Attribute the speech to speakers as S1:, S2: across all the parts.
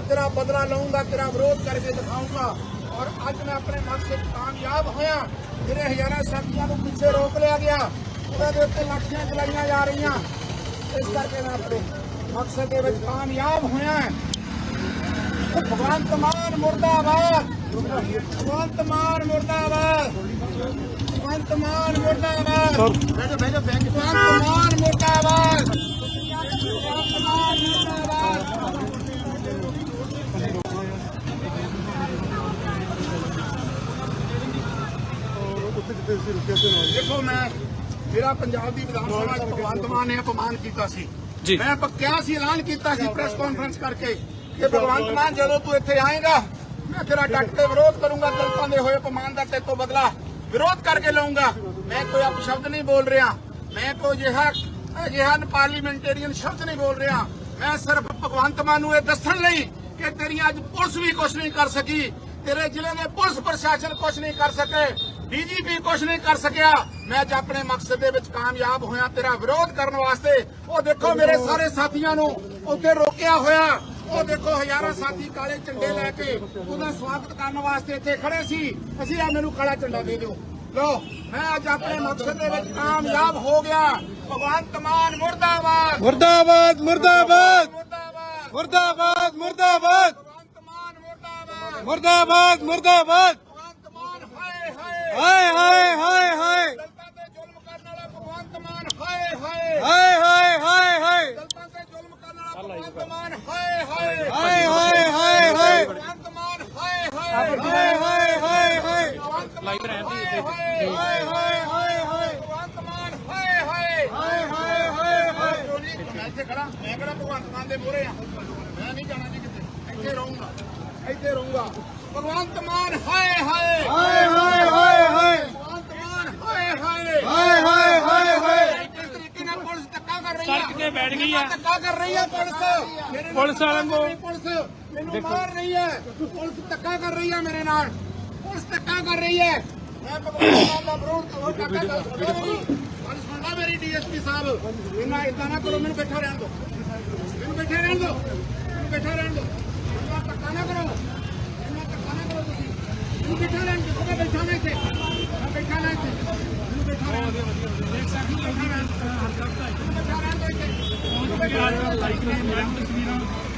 S1: तेरा बदला लूंगा, तेरा विरोध करके दिखाऊंगा। और अज मैं अपने मकसद कामयाब होया। मेरे हज़ारां साथियों को पीछे रोक लिया गया, उहदे उत्ते लाठियां चलाईयां जा रही। इस करके मैं अपने मकसद दे विच कामयाब होया। भगवंत मान मुर्दाबाद, भगवंत मान मुर्दाबाद, भगवंत मान मुर्दाबाद, भगवंत मान मुर्दाबाद, भगवंत मान मुर्दाबाद। देखो मैं मेरा पंजाब की विधान सभा भगवंत मान ने अपमान किया सी। मैं क्या सी ऐलान किया सी प्रेस कॉन्फ्रेंस करके कि भगवंत मान जो तू इत्थे आएगा मैं तेरा डट के विरोध करूंगा, दलितों के होए अपमान का तेरे तो बदला विरोध करके लूंगा। मैं कोई अपशब्द नहीं बोल रहा, मैं कोई अजिहा पार्लीमेंटेरियन शब्द नहीं बोल रहा। मैं सिर्फ भगवंत मान नूं दस्सण लई कि तेरी अज पुलिस भी कुछ नहीं कर सकी, तेरे जिले में पुलिस प्रशासन कुछ नहीं कर सके, डीजीपी कुछ नहीं कर सकिया। मैं अज अपने मकसद दे विच कामयाब होया तेरा विरोध करने वास्ते। वो देखो मेरे सारे साथियों नूं उत्थे रोकिया होया, वो देखो हज़ारां साथी काले झंडे लैके उहदा स्वागत करने वास्ते इत्थे खड़े सी। असीं आ मैनूं काला झंडा दे दिओ। लो मैं अज अपने मकसद दे विच कामयाब हो गया। भगवंत मान मुर्दाबाद,
S2: मुर्दाबाद मुर्दाबाद
S1: मुर्दाबाद,
S2: मुर्दाबाद मुर्दाबाद
S1: भगवंत मान मुर्दाबाद,
S2: मुर्दाबाद मुर्दाबाद
S1: भगवंत मान हाय हाय,
S2: हाय हाय हाय हाय
S1: दलितां ते जुल्म करन वाला भगवंत मान हाय हाय,
S2: हाय हाय हाय हाय
S1: दलितां ते जुल्म करन वाला भगवंत मान हाय हाय,
S2: हाय हाय हाय हाय
S1: भगवंत मान हाय हाय,
S2: हाय हाय हाय हाय
S1: भगवंत मान हाय
S2: हाय हाय हाय हाय
S1: भगवंत मान हाय हाय,
S2: हाय हाय हाय हाय
S1: मैं ਇੱਥੇ ਖੜਾ, ਮੈਂ ਕਿਹੜਾ ਭਗਵੰਤ ਮਾਨ ਦੇ ਮੂਹਰੇ ਆ। ਮੈਂ ਨਹੀਂ ਜਾਣਾ ਜੀ ਕਿਤੇ, ਇੱਥੇ ਰਹੂੰਗਾ, ਇੱਥੇ ਰਹੂੰਗਾ। ਭਗਵੰਤ ਮਾਨ ਹਾਏ ਹਾਏ,
S2: ਹਾਏ ਹਾਏ ਹਾਏ ਹਾਏ
S1: ਭਗਵੰਤ ਮਾਨ ਹਾਏ ਹਾਏ,
S2: ਹਾਏ ਹਾਏ ਹਾਏ ਹਾਏ
S1: ਕਿਸ ਤਰੀਕੇ ਨਾਲ ਪੁਲਿਸ ਧੱਕਾ ਕਰ ਰਹੀ ਹੈ,
S3: ਸੜਕ ਤੇ ਬੈਠ ਗਈ ਹੈ।
S1: ਧੱਕਾ ਕਰ ਰਹੀ ਹੈ ਪੁਲਿਸ, ਮੇਰੇ ਨਾਲ
S3: ਪੁਲਿਸ ਵਾਲਿਆਂ ਨੂੰ
S1: ਪੁਲਿਸ ਮੈਨੂੰ ਮਾਰ ਰਹੀ ਹੈ, ਪੁਲਿਸ ਧੱਕਾ ਕਰ ਰਹੀ ਹੈ ਮੇਰੇ ਨਾਲ, ਪੁਲਿਸ ਧੱਕਾ ਕਰ ਰਹੀ ਹੈ। ਮੈਂ ਭਗਵੰਤ ਮਾਨ ਦਾ ਵਿਰੋਧ ਹੋਰ ਧੱਕਾ ਕਰ ਸਕਦਾ ਨਹੀਂ। ਸੁਣਦਾ ਮੇਰੀ ਡੀਐਸਪੀ ਸਾਹਿਬ, ਇਹਨਾਂ ਇਦਾਂ ਨਾ ਕਰੋ, ਮੈਨੂੰ ਬੈਠਾ ਰਹਿਣ ਦਿਓ, ਮੈਨੂੰ ਬੈਠਾ ਰਹਿਣ ਦਿਓ, ਮੈਨੂੰ ਬੈਠਾ ਰਹਿਣ ਦਿਓ, ਇੰਨਾ ਧੱਕਾ ਨਾ ਕਰੋ, ਇੰਨਾ ਧੱਕਾ ਨਾ ਕਰੋ ਤੁਸੀਂ, ਮੈਨੂੰ ਬੈਠਾ ਰਹਿਣ ਦਿਓ। ਮੈਂ ਬੈਠਾ ਨਾ ਇੱਥੇ, ਮੈਂ ਬੈਠਾ ਨਾ ਇੱਥੇ, ਮੈਨੂੰ ਬੈਠਾ ਰਹਿਣ ਦਿਓ, ਦੇਖ ਸਕਦੀ ਬੈਠਾ ਰਹਿਣ ਦਿਓ, ਮੈਨੂੰ ਬੈਠਾ ਰਹਿਣ ਦਿਓ ਇੱਥੇ, ਮੈਨੂੰ ਬੈਠਾ ਰਹਿਣ ਦਿਓ।
S3: ਲਾਈਕ ਨਹੀਂ ਮੈਂ ਤਸਵੀਰਾਂ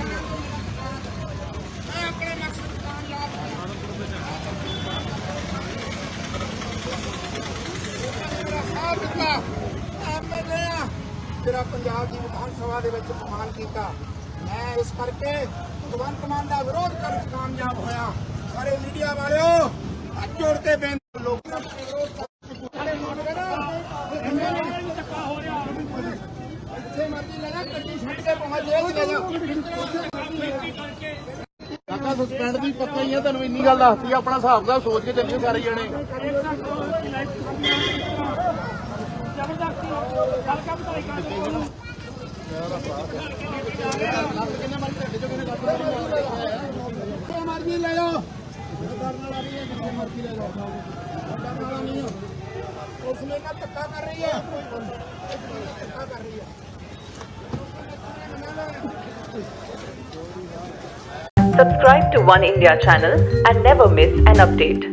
S1: ਮੈਂ ਆਪਣੇ ਮਕਸਦ ਕਾਮਯਾਬ ਹੋਇਆ। ਮੇਰਾ ਸਾਥ ਦਿੱਤਾ ਐਮਐਲਏ ਆ, ਜਿਹੜਾ ਪੰਜਾਬ ਦੀ ਵਿਧਾਨ ਸਭਾ ਦੇ ਵਿੱਚ ਅਪਮਾਨ ਕੀਤਾ। ਮੈਂ ਇਸ ਕਰਕੇ ਭਗਵੰਤ ਮਾਨ ਦਾ ਵਿਰੋਧ ਕਰਨ 'ਚ ਕਾਮਯਾਬ ਹੋਇਆ। ਸਾਰੇ ਮੀਡੀਆ ਵਾਲਿਓ ਹੱਥ ਜੋੜ ਕੇ ਬੇਨਤੀ, ਲੋਕਾਂ ਦਾ ਵਿਰੋਧ ਜਿੱਥੇ ਮਰਜ਼ੀ ਲੈ ਜਾ, ਗੱਡੀ ਛੱਡ ਕੇ ਪਹੁੰਚ ਜੇਲ੍ਹ 'ਚ ਲੈ ਜਾ। ਕਾਕਾ ਸਸਪੈਂਡ ਦੀ ਪੱਕਾ ਹੀ ਆ, ਤੁਹਾਨੂੰ ਇੰਨੀ ਗੱਲ ਦੱਸਦੀ ਆ, ਆਪਣਾ ਹਿਸਾਬ ਦਾ ਸੋਚ ਕੇ ਚੱਲਿਓ ਸਾਰੇ ਜਣੇ। ਮਰਜ਼ੀ ਲੈ ਜਾਓ, ਜਿੱਥੇ ਮਰਜ਼ੀ ਲੈ ਜਾਓ, ਉਸ ਨੇ ਨਾ ਧੱਕਾ ਕਰ ਰਹੀ ਹੈ, ਧੱਕਾ ਕਰ ਰਹੀ ਹੈ।
S4: Subscribe to One India channel and never miss an update.